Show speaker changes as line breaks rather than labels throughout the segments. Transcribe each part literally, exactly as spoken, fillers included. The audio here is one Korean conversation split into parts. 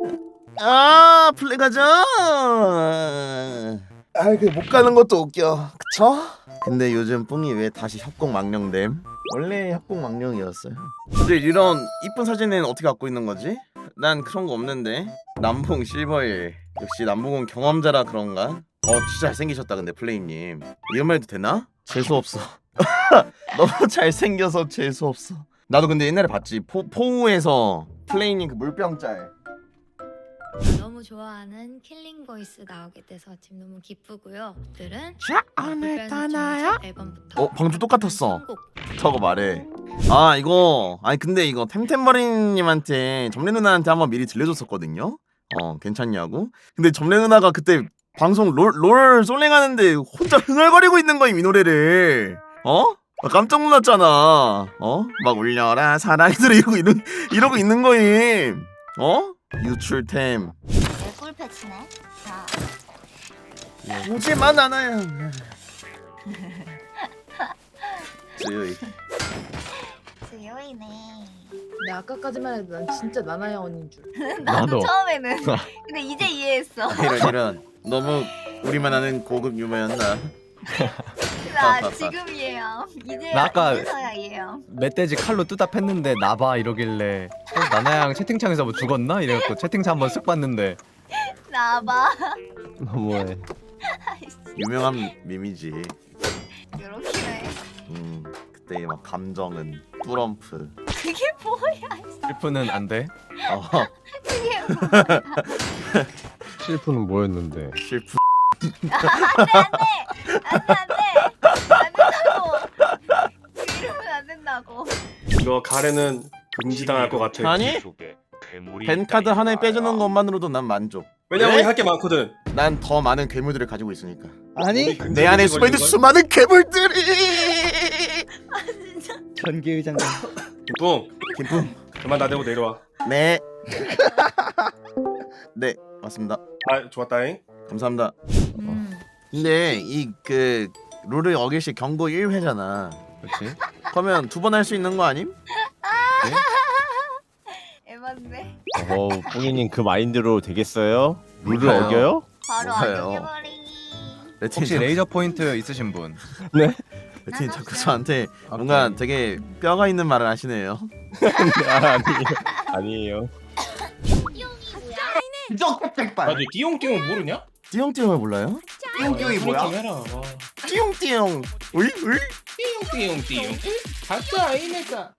아 플레이 가자. 아 그 못 가는 것도 웃겨. 그쵸? 근데 요즘 뿡이 왜 다시 협곡 망령됨? 원래 협곡 망령이었어요. 근데 이런 이쁜 사진은 어떻게 갖고 있는 거지? 난 그런 거 없는데. 남봉 실버일 역시 남봉은 경험자라 그런가? 어 진짜 잘생기셨다 근데 플레이님. 이런 말 해도 되나? 재수없어. 너무 잘생겨서 재수없어. 나도 근데 옛날에 봤지. 포, 포우에서 플레이님 그 물병 짤.
너무 좋아하는 킬링 보이스 나오게 돼서 지금 너무 기쁘고요. 들은
자 오늘 떠나요?
앨범부터
어 방주 똑같았어.
선곡.
저거 말해. 아 이거 아니 근데 이거 템템버린님한테 점례 누나한테 한번 미리 들려줬었거든요. 어 괜찮냐고. 근데 점례 누나가 그때 방송 롤, 롤 솔랭하는데 혼자 흥얼거리고 있는 거임 이 노래를. 어? 나 깜짝 놀랐잖아. 어? 막 울려라 사랑이들 이러고 이러, 이러고 있는 거임. 어? 유출템.
내 꿀패치네. 자,
오지만 않아요. 저희
수요이네.
근데 아까까지만 해도 난 진짜 나나야 언니인 줄.
나도
나도.
처음에는. 근데 이제 이해했어.
이런 이런 너무 우리만 아는 고급 유머였나?
나 지금 이해함. 이제
나 아까-
이제서야 이해함.
멧돼지 칼로 뜨다 팼는데 나봐 이러길래 어, 나나양 채팅창에서 뭐 죽었나? 이래갖고 채팅창 한번 쓱 봤는데
나봐.
너무해.
유명한 밈이지.
요렇게네.
음 그때 막 감정은 뿌럼프.
그게 뭐야?
실프는 안 돼?
어
그게 뭐야?
실프는 뭐였는데?
실프.
안돼 안돼 안돼 안 된다고. 그 이러면 안 된다고.
이거 가래는 금지당할 것 같아.
아니 벤 카드 하나에 빼주는 것만으로도 난 만족.
왜냐면
왜?
우리 할 게 많거든.
난 더 많은 괴물들을 가지고 있으니까.
아니
내 안에 숨어있는 수많은 괴물들이.
아 진짜.
전기의장관
뿡
김품.
그만 나대고 내려와.
네. 네 맞습니다.
아 좋았다잉.
감사합니다.
음.
근데 이 그 룰을 어길시 경고 일 회잖아.
그렇지?
그러면 두 번 할 수 있는 거 아님?
에반데.
어우 뿡이님 그 마인드로 되겠어요? 룰을
몰라요.
어겨요?
바로
뭐가요?
안정해버리기.
레틴
혹시 레이저 포인트 있으신 분?
레틴 자꾸 저한테 뭔가 되게 뼈가 있는 말을 하시네요.
아, 아니에요. 아니에요.
아, 너 띠용띠용 모르냐?
띠용띠용을 몰라요?
띠용띠용이 뭐야? 해라. 와.
띠용띠용. 으이 으이.
띠용띠용띠용. 가짜 아이네가.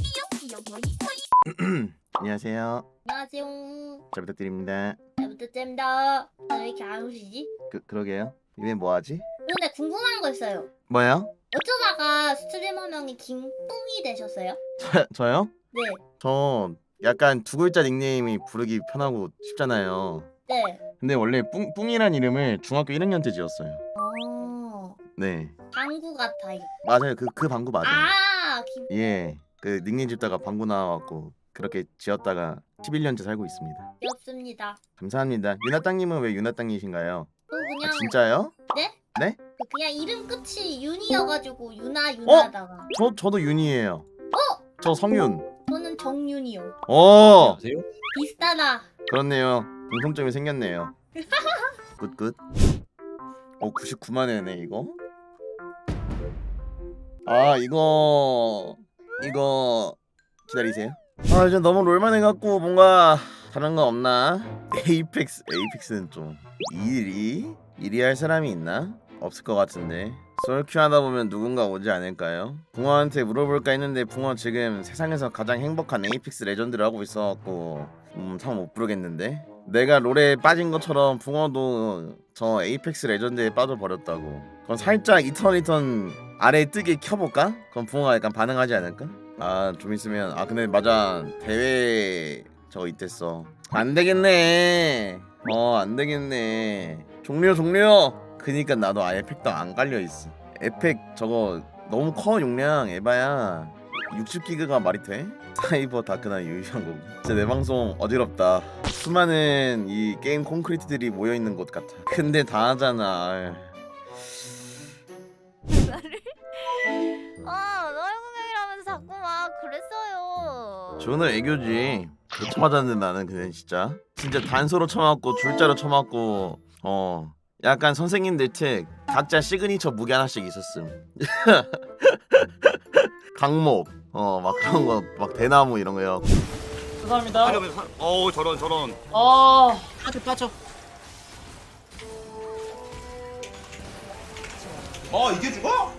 안녕하세요.
안녕하세요.
잘 부탁드립니다.
잘 부탁드립니다. 왜 이렇게 안 오시지?
그 그러게요. 이게 뭐 하지?
근데 궁금한 거 있어요.
뭐요?
어쩌다가 스트리머 명이 김뿡이 되셨어요?
저, 저요?
네.
저 약간 두 글자 닉네임이 부르기 편하고 쉽잖아요.
네.
근데 원래 뿡 뿡이란 이름을 중학교 일 학년 때 지었어요.
어.
네.
방구 같아요.
맞아요. 그 그 방구 맞아요.
아, 김.
예. 그 닉네임 짓다가 방구 나와갖고 그렇게 지었다가 십일 년째 살고 있습니다.
귀엽습니다.
감사합니다. 유나땅님은 왜 유나땅이신가요?
또
아,
그냥
진짜요?
네?
네?
그 그냥 이름 끝이 윤이어가지고 유나 유나다가.
저 저도 윤이에요.
어?
저 성윤.
저는 정윤이요.
어
비슷하다.
그렇네요. 공통점이 생겼네요. 굿굿. 어 구십구만 회네 이거. 아 이거 이거 기다리세요. 아 이제 너무 롤만 해갖고 뭔가 다른 거 없나? 에이펙스 에이펙스는 좀 일이 일이 할 사람이 있나? 없을 것 같은데. 솔큐 하다 보면 누군가 오지 않을까요? 붕어한테 물어볼까 했는데 붕어 지금 세상에서 가장 행복한 에이펙스 레전드를 하고 있어갖고 음 참 못 부르겠는데. 내가 롤에 빠진 것처럼 붕어도 저 에이펙스 레전드에 빠져버렸다고. 그럼 살짝 이터널리턴 아래 뜨게 켜볼까? 그럼 붕어가 약간 반응하지 않을까? 아 좀 있으면 아 근데 맞아 대회 저거 있댔어. 안되겠네. 어 안되겠네. 종료 종료. 그니까 나도 아예 팩도 안 깔려있어. 에펙 저거 너무 커 용량 에바야. 육십 기가가 말이 돼? 사이버 다크나 유의한 거고. 진짜 내 방송 어지럽다. 수많은 이 게임 콘크리트들이 모여있는 곳 같아. 근데 다 하잖아.
아, 너의 공격이라면서 자꾸 막 그랬어요.
저는 애교지. 개 쳐맞았는데 나는 그냥 진짜 진짜 단소로 쳐맞고 줄자로 쳐맞고 어 약간 선생님들 특 각자 시그니처 무기 하나씩 있었음. 강목 어 막 그런 거 막 대나무 이런 거요.
죄송합니다.
어우 저런 저런.
아,
빠져 빠져.
어 이게 죽어?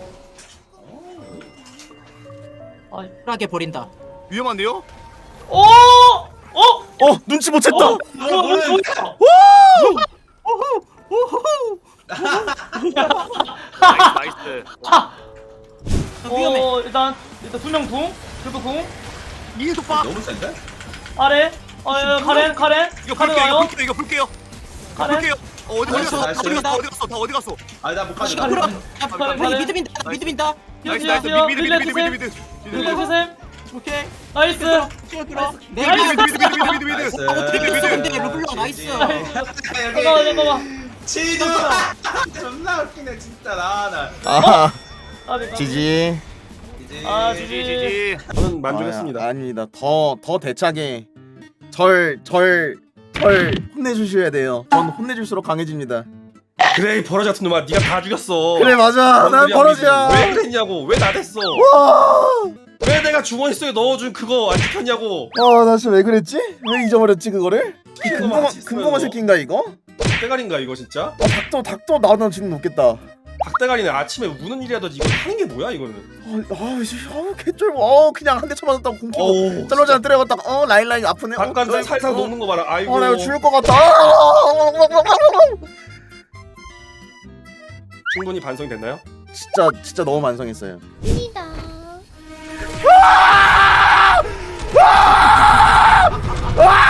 쿨하게 버린다. 위험한데요?
오, 어,
어 눈치 못 챘다.
어, 뭐야?
나이스 나이스.
위험해. 어, 일단 일단 두명 궁, 그리고 궁
이게 봐.
너무 센데?
아래. 어, 어, 가렌, 가렌,
이거
가렌
볼게요. 이거
와요.
볼게요. 이거 볼게요.
가렌.
볼게요. 어, 어디 어디 갔어? 다
나이스,
어디
나이스.
갔어? 어디 갔어? 다 어디 갔어?
아니 나못 가져.
가렌, 가렌, 가렌.
미드 민다. 미드 민다. 나이스
나이스,
나이스. 미드 미드
릴레이
미드
주세요.
미드 미드.
릴레이 주세요.
오케이.
나이스.
시간 끌어. 네,
나이스.
미드 미드 미드 미드 미드 미드.
나이스.
아, 어떻게
미드,
미드
미드.
근데 르블랑 나이스.
잠깐만, 잠깐만.
치즈. 존나 웃기네 진짜 나 나.
아
아, 네,
지지.
아,
지지
지지.
지지.
저는 만족했습니다.
아, 아닙니다. 더 더 대차게 절 절 절 혼내주셔야 돼요. 전 혼내줄수록 강해집니다.
그래 이 버러지 같은 놈아 네가 다 죽였어.
그래 맞아. 난 버러지야.
왜 그랬냐고. 왜 나댔어.
와.
왜 내가 주머니 속에 넣어준 그거 안 지켰냐고.
아나 진짜 왜 그랬지? 왜 잊어버렸지 그거를? 이
이거
금붕어
맞지,
금붕어
이거.
새끼인가 이거?
닭대가리인가 이거 진짜?
아 닭도 닭도 나오면 지금 높겠다.
닭대가리는 아침에 무는 일이라든지 이거 하는 게 뭐야 이거는.
아, 이씨, 아, 개쩔. 어, 그냥 한 대 쳐맞았다고 공키고
어우.
짤로자 때려갔다가 어 라인 라인 아프네.
잠깐
어,
살살
어,
녹는 거 봐라. 아이고.
어, 나 이거 죽을 것 같다. 아,
충분히 반성이 됐나요?
진짜 진짜 너무 만성했어요.
니다
아!